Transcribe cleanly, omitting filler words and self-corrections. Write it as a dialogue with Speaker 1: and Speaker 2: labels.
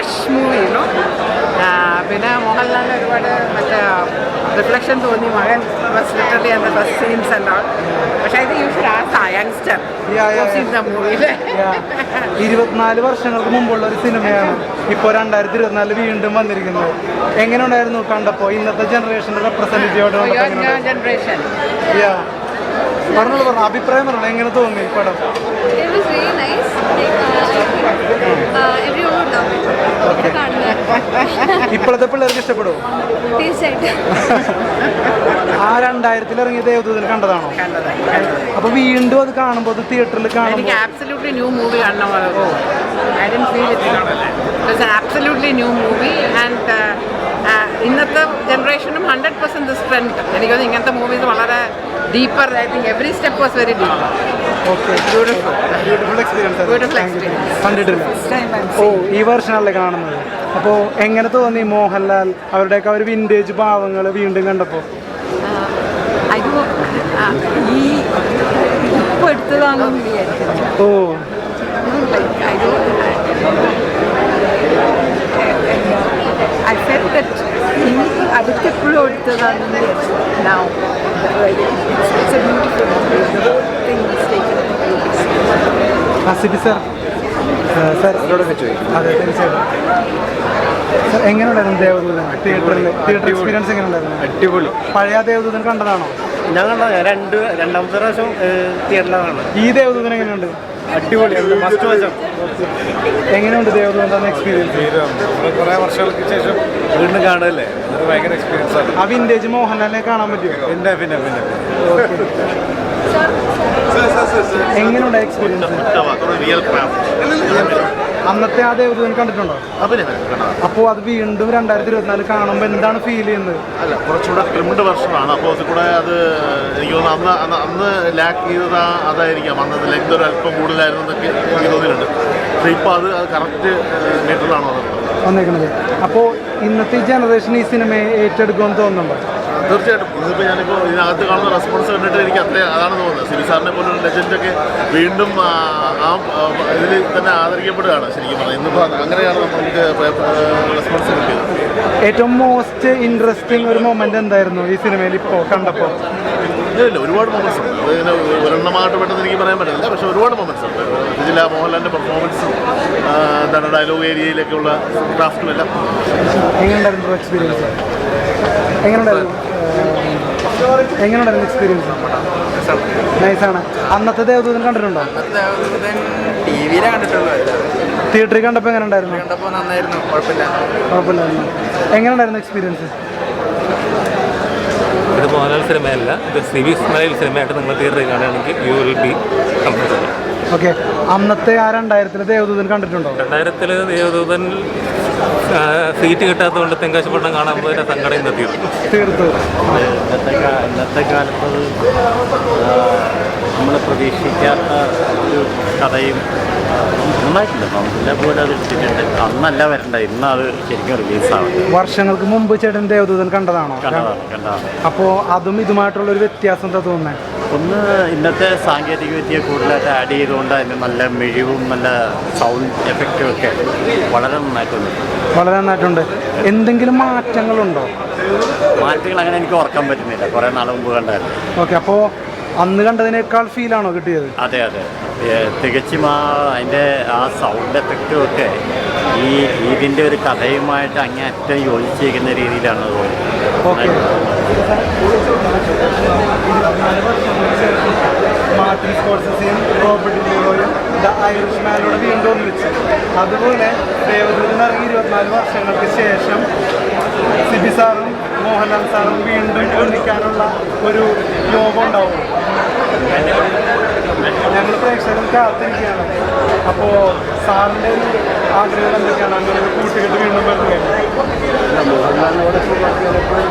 Speaker 1: Fresh movie you know. പിന്നെ മോഹൻലാലിന് ഒരുപാട് മറ്റേ റിഫ്ലക്ഷൻ തോന്നി. മകൻ was literally and the first scenes and all. പക്ഷേ I think you should ask a youngster in the മൂവിയിൽ.
Speaker 2: 24 വർഷങ്ങൾക്ക് മുമ്പുള്ള ഒരു സിനിമയാണ് ഇപ്പോൾ 2024 വീണ്ടും വന്നിരിക്കുന്നത്. എങ്ങനെ ഉണ്ടായിരുന്നു കണ്ടപ്പോൾ? ഇന്നത്തെ ജനറേഷൻ്റെ റെപ്രസെൻറ്റേറ്റീവായിട്ട്
Speaker 1: ജനറേഷൻ
Speaker 2: പറഞ്ഞോളൂ, അഭിപ്രായം പറഞ്ഞോളൂ, എങ്ങനെ തോന്നി പടം? ഇപ്പോഴത്തെ പിള്ളേർക്ക് ഇഷ്ടപ്പെടുമോ?
Speaker 3: തീർച്ചയായിട്ടും.
Speaker 2: ആ 2000 ഇറങ്ങിയ ദേവദൂതൻ കണ്ടതാണോ? അപ്പൊ വീണ്ടും അത് കാണുമ്പോൾ അത് തിയേറ്ററിൽ കാണുമ്പോൾ
Speaker 1: absolutely new movie കാണുന്ന പോലെ. I didn't feel it. It's an absolutely new movie and ഇന്നത്തെ ജനറേഷനും 100% this trend. എനിക്ക് തോന്നുന്നു ഇങ്ങനത്തെ മൂവീസ് വളരെ deeper. I think every step was very deeper.
Speaker 2: Beautiful experience. കണ്ടിട്ടില്ല? ഓ, ഈ വർഷമല്ലേ കാണുന്നത്. അപ്പോൾ എങ്ങനെ തോന്നി മോഹൻലാൽ അവരുടെയൊക്കെ ഒരു വിൻറ്റേജ് ഭാവങ്ങൾ വീണ്ടും കണ്ടപ്പോൾ?
Speaker 3: ഈ ഇപ്പോൾ എടുത്തതാണെന്ന് വിചാരിച്ചു.
Speaker 2: ഓ,
Speaker 3: I felt that ഇനി അടുത്തെപ്പോഴും എടുത്തതാണെന്ന് വിചാരിച്ചു. Now it's a beautiful movie. The whole thing is taken.
Speaker 2: Sibi sir, sir അതെ തീർച്ചയായിട്ടും. സാർ എങ്ങനെയുണ്ടായിരുന്നു ദേവദൂതൻ? തിയേറ്റർ എക്സ്പീരിയൻസ് എങ്ങനെയുണ്ടായിരുന്നു?
Speaker 4: അടിപൊളി.
Speaker 2: പഴയ ദേവദൂതൻ കണ്ടതാണോ?
Speaker 4: ഞാൻ കണ്ട രണ്ടാമത്തെ പ്രാവശ്യം തിയേറ്ററിലാണ്.
Speaker 2: ഈ ദേവദൂതൻ എങ്ങനെയുണ്ട്?
Speaker 4: അടിപൊളിയാണ്. ഫസ്റ്റ് വശം
Speaker 2: എങ്ങനെയുണ്ട് ദേവദൂതൻ എക്സ്പീരിയൻസ്?
Speaker 4: കുറേ വർഷങ്ങൾക്ക് ശേഷം വീണ്ടും കാണുമല്ലേ, അതൊരു ഭയങ്കര എക്സ്പീരിയൻസ് ആണ്.
Speaker 2: ആ വിൻറ്റേജ് മോഹൻലാലിനെ കാണാൻ പറ്റുമോ?
Speaker 4: പിന്നെ പിന്നെ പിന്നെ
Speaker 2: എങ്ങനെയുണ്ട് എക്സ്പീരിയൻസ്? അന്നത്തെ ആ ദേവദൂതൻ കണ്ടിട്ടുണ്ടോ? അപ്പോൾ അത് വീണ്ടും 2024 കാണുമ്പോൾ എന്താണ് ഫീൽ ചെയ്യുന്നത്?
Speaker 5: അല്ല, കുറച്ചുകൂടെ 2 വർഷമാണ്. അപ്പോൾ അത് കൂടെ അത് എനിക്ക് തോന്നുന്നു അന്ന് ലാക്ക് ചെയ്തത് അതായിരിക്കാം. അന്നത് ലെങ്ത് ഒരു അല്പം കൂടുതലായിരുന്നു എന്നൊക്കെ എനിക്ക് തോന്നിയിട്ടുണ്ട്. പക്ഷേ ഇപ്പോൾ അത് കറക്റ്റ് മീറ്ററിലാണോ
Speaker 2: വന്നേക്കുന്നത്? അപ്പോൾ ഇന്നത്തെ ജനറേഷൻ ഈ സിനിമയെ ഏറ്റെടുക്കുമെന്ന് തോന്നുന്നുണ്ടോ?
Speaker 5: തീർച്ചയായിട്ടും. ഇതിപ്പോൾ ഞാനിപ്പോൾ ഇതിനകത്ത് കാണുന്ന റെസ്പോൺസ് കണ്ടിട്ട് എനിക്ക് അതാണ് തോന്നുന്നത്. സിബി സാറിനെ പോലുള്ള ലെജൻഡൊക്കെ വീണ്ടും ആ ഇതിൽ തന്നെ ആദരിക്കപ്പെടുകയാണ് ശരിക്കും പറഞ്ഞാൽ. ഇന്നിപ്പോൾ അങ്ങനെയാണ് നമുക്ക് റെസ്പോൺസ് കിട്ടിയത്.
Speaker 2: ഏറ്റവും മോസ്റ്റ് ഇൻട്രസ്റ്റിംഗ് ഒരു മൊമെന്റ് എന്തായിരുന്നു ഈ സിനിമയിൽ ഇപ്പോൾ കണ്ടപ്പോൾ?
Speaker 5: ഇല്ല, ഒരുപാട് മൊമെന്റ്സ് ഉണ്ട്. അതിന് ഒരെണ്ണമായിട്ട് പെട്ടെന്ന് എനിക്ക് പറയാൻ പറ്റില്ല. പക്ഷേ ഒരുപാട് മൊമെന്റ്സ് ഉണ്ട്. ഇതിൽ ആ മോഹൻലാലിൻ്റെ പെർഫോമൻസും എന്താണ് ഡയലോഗ് ഏരിയയിലൊക്കെയുള്ള ക്രാഫ്റ്റും എല്ലാം.
Speaker 2: എങ്ങനെയുണ്ടായിരുന്നു എക്സ്പീരിയൻസ്? എങ്ങനെയുണ്ടായിരുന്നു എക്സ്പീരിയൻസ്? നൈസാണ്. അന്നത്തെ ദേവദൂതൻ കണ്ടിട്ടുണ്ടോ?
Speaker 4: ടിവിയിലെ കണ്ടിട്ടുള്ളൂ.
Speaker 2: തിയേറ്ററിൽ കണ്ടപ്പോൾ എങ്ങനെ ഉണ്ടായിരുന്നു?
Speaker 4: കണ്ടപ്പോൾ നന്നായിരുന്നു,
Speaker 2: കുഴപ്പമില്ലായിരുന്നു. എങ്ങനെയുണ്ടായിരുന്നു എക്സ്പീരിയൻസ്?
Speaker 6: ഇത് മോഹൻലാൽ സിനിമയല്ല, ഇത് സിബി മലയിൽ സിനിമയായിട്ട് നിങ്ങൾ തിയേറ്ററിൽ കാണുകയാണെങ്കിൽ you will be comfortable.
Speaker 2: Okay. അന്നത്തെ ആ 2000 ദേവദൂതൻ കണ്ടിട്ടുണ്ടോ?
Speaker 6: 2000 ദേവദൂതൻ സീറ്റ് കിട്ടാത്തതുകൊണ്ട് തെങ്കാശിപ്പട്ടണം കാണാൻ പോയതിൻ്റെ സങ്കടം
Speaker 2: തീർത്തു.
Speaker 7: ഇന്നത്തെ കാലത്ത് നമ്മൾ പ്രതീക്ഷിക്കാത്ത ഒരു കഥയും നന്നായിട്ടുണ്ട്. നമുക്കില്ല പോലെ അത് എടുത്തിട്ടുണ്ട്. അന്നല്ല വരണ്ട, ഇന്ന് അത് ശരിക്കും റിലീസാവുന്നത്.
Speaker 2: വർഷങ്ങൾക്ക് മുമ്പ് ചേട്ടൻ ദേവദൂതൻ കണ്ടതാണോ?
Speaker 7: കണ്ടതാണ്.
Speaker 2: അപ്പോൾ അതും ഇതുമായിട്ടുള്ളൊരു വ്യത്യാസം എന്താ തോന്നുന്നത്?
Speaker 7: ഒന്ന്, ഇന്നത്തെ സാങ്കേതിക വിദ്യ കൂടുതലായിട്ട് ആഡ് ചെയ്തുകൊണ്ട് അതിന് നല്ല മിഴിവും നല്ല സൗണ്ട് എഫക്റ്റും ഒക്കെ വളരെ നന്നായിട്ടുണ്ട്.
Speaker 2: വളരെ നന്നായിട്ടുണ്ട്. എന്തെങ്കിലും മാറ്റങ്ങളുണ്ടോ?
Speaker 7: മാറ്റങ്ങൾ അങ്ങനെ എനിക്ക് ഓർക്കാൻ പറ്റുന്നില്ല, കുറേ നാൾ മുമ്പ് കണ്ടായിരുന്നു.
Speaker 2: ഓക്കെ. അപ്പോൾ അന്ന് കണ്ടതിനേക്കാൾ ഫീലാണോ കിട്ടിയത്?
Speaker 7: അതെ അതെ, തികച്ചും അതിൻ്റെ ആ സൗണ്ട് എഫക്റ്റും ഒക്കെ ഇതിൻ്റെ ഒരു കഥയുമായിട്ട് അങ്ങേയറ്റം യോജിച്ചിരിക്കുന്ന രീതിയിലാണ് തോന്നുന്നത്.
Speaker 2: ഓക്കെ. മാർട്ടിൻ സ്കോർസെസിയും റോബർട്ട് ഡീനിറോയും ദ ഐറിഷ്മാനോട് വീണ്ടും ഒന്നിച്ചു. അതുപോലെ ദേവദൂതൻ ഇറങ്ങി 24 വർഷങ്ങൾക്ക് ശേഷം സിബി സാറും മോഹൻലാൽ സാറും വീണ്ടും ഒന്നിക്കാനുള്ള ഒരു യോഗം ഉണ്ടാവും. ഞങ്ങൾ പ്രേക്ഷകർ കാത്തിരിക്കുകയാണ്. അപ്പോൾ സാറിൻ്റെ ഒരു ആഗ്രഹം എന്തൊക്കെയാണ്? അങ്ങനെ ഒരു കൂട്ടുകെട്ട് വീണ്ടും വരുന്നത്?
Speaker 4: മോഹൻലാലിനോട്